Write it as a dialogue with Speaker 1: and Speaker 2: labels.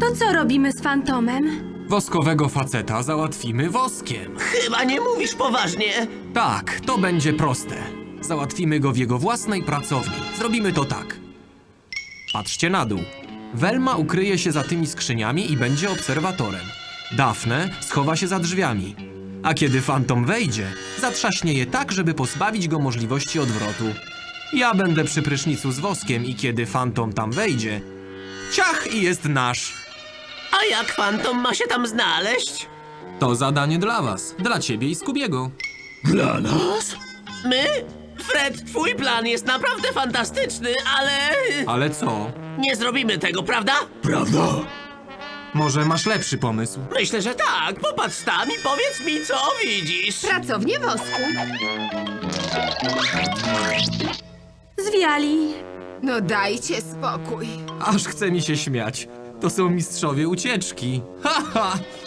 Speaker 1: To co robimy z fantomem?
Speaker 2: Woskowego faceta załatwimy woskiem.
Speaker 3: Chyba nie mówisz poważnie.
Speaker 2: Tak, to będzie proste. Załatwimy go w jego własnej pracowni. Zrobimy to tak. Patrzcie na dół. Velma ukryje się za tymi skrzyniami i będzie obserwatorem. Daphne schowa się za drzwiami. A kiedy fantom wejdzie, zatrzaśnie je tak, żeby pozbawić go możliwości odwrotu. Ja będę przy prysznicu z woskiem i kiedy fantom tam wejdzie, ciach i jest nasz.
Speaker 3: A jak fantom ma się tam znaleźć?
Speaker 2: To zadanie dla was, dla ciebie i Scoobiego.
Speaker 4: Dla nas?
Speaker 3: My? Fred, twój plan jest naprawdę fantastyczny, ale...
Speaker 2: Ale co?
Speaker 3: Nie zrobimy tego, prawda?
Speaker 4: Prawda?
Speaker 2: Może masz lepszy pomysł?
Speaker 3: Myślę, że tak. Popatrz tam i powiedz mi, co widzisz.
Speaker 5: Pracownię wosku.
Speaker 1: Zwiali.
Speaker 5: No dajcie spokój.
Speaker 2: Aż chce mi się śmiać. To są mistrzowie ucieczki. Ha, ha!